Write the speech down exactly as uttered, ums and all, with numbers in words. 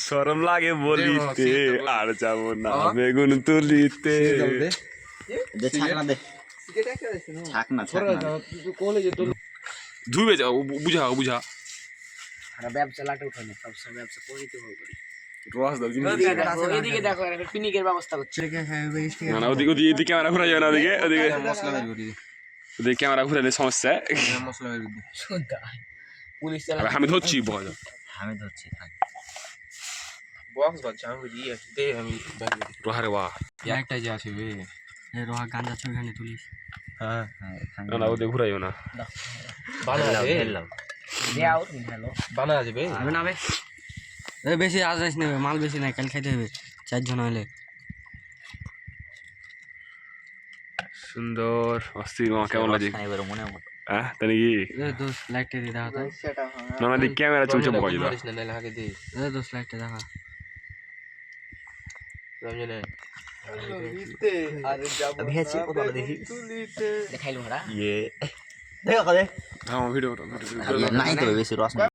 শরম লাগে বলিতে আর যাব না বেগুন তুলিতে দে ছাকনা দে ছাকনা ছাকনা ধুবে যাও বুঝা বুঝা আর ব্যবসা লাটে উঠানো ব্যবসা ব্যবসা করিতে হবে রস দাও জিনিস এদিকে দেখো একটা পিনিকের ব্যবস্থা করছে না না ওদিকে ওদিকে এদিকে ক্যামেরা ঘুরে যাবে না ওদিকে ওদিকে মশলা বের করে দে ওদিকে ক্যামেরা ঘুরে দিলে সমস্যা মশলা বের করে দে শুনতা পুলিশ আমি ধরছি বল আমি ধরছি থাক বক্স বাজছে আমি দিয়ে দে আমি রোহারে বাহ একটা যে আছে বে রোহা গাঁজা ছবি খানে তুলিস হ্যাঁ হ্যাঁ না না ওদিকে ঘুরাইও না বানা দে দেও তুমি হ্যালো বানা যাবে আমি না বে এ বেশি আজ যাইস না মাল বেশি নাই কাল খাইতে হবে চারজন হইলে সুন্দর অস্থির মা কেমন লাগে এবার মনে মতো হ্যাঁ তাই নাকি এ দোস লাইটে দি দেখা তাই না না দিক ক্যামেরা চলছে বয় দাও মারিস না নালে আগে দে এ দোস লাইটে দেখা রমজানে अभी अच्छी को तो देखी দেখাইলো ওরা ये देखो दे হ্যাঁ ভিডিও नहीं तो वैसे रोशनी